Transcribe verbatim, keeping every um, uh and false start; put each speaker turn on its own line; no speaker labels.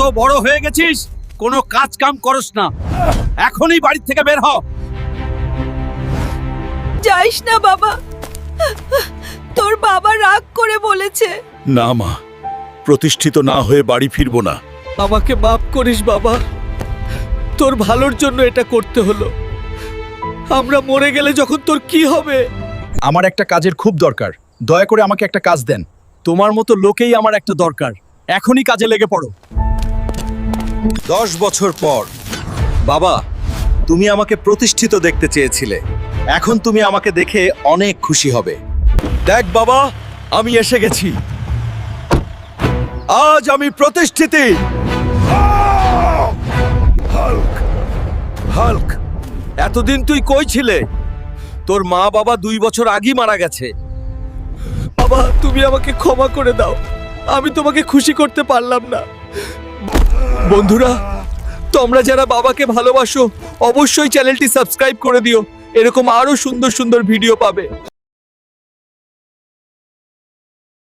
বড় হয়ে গেছিস, কোনো কাজ কাম করস না। এখনই বাড়ি থেকে বের হ।
যাইস না বাবা, তোর বাবা রাগ করে বলেছে।
না মা, প্রতিষ্ঠিত না হয়ে বাড়ি ফিরবো না।
আমাকে মাফ করিস বাবা, তোর ভালোর জন্য এটা করতে হলো। আমরা মরে গেলে যখন তোর কি হবে?
আমার একটা কাজের খুব দরকার, দয়া করে আমাকে একটা কাজ দেন।
তোমার মতো লোকেই আমার একটা দরকার, এখনই কাজে লেগে পড়ো।
দশ বছর পর। বাবা, তুমি আমাকে প্রতিষ্ঠিত দেখতে চেয়েছিলে, এখন তুমি আমাকে দেখে অনেক খুশি হবে।
দেখ বাবা, আমি এসে গেছি।
আজ আমি প্রতিষ্ঠিত। হাল্ক, হাল্ক,
এতদিন তুই কই ছিলে? তোর মা বাবা দুই বছর আগেই মারা গেছে। বাবা, তুমি আমাকে ক্ষমা করে দাও, আমি তোমাকে খুশি করতে পারলাম না। বন্ধুরা, তোমরা যারা বাবাকে ভালোবাসো অবশ্যই চ্যানেলটি সাবস্ক্রাইব করে দিও, এরকম আরো সুন্দর সুন্দর ভিডিও পাবে।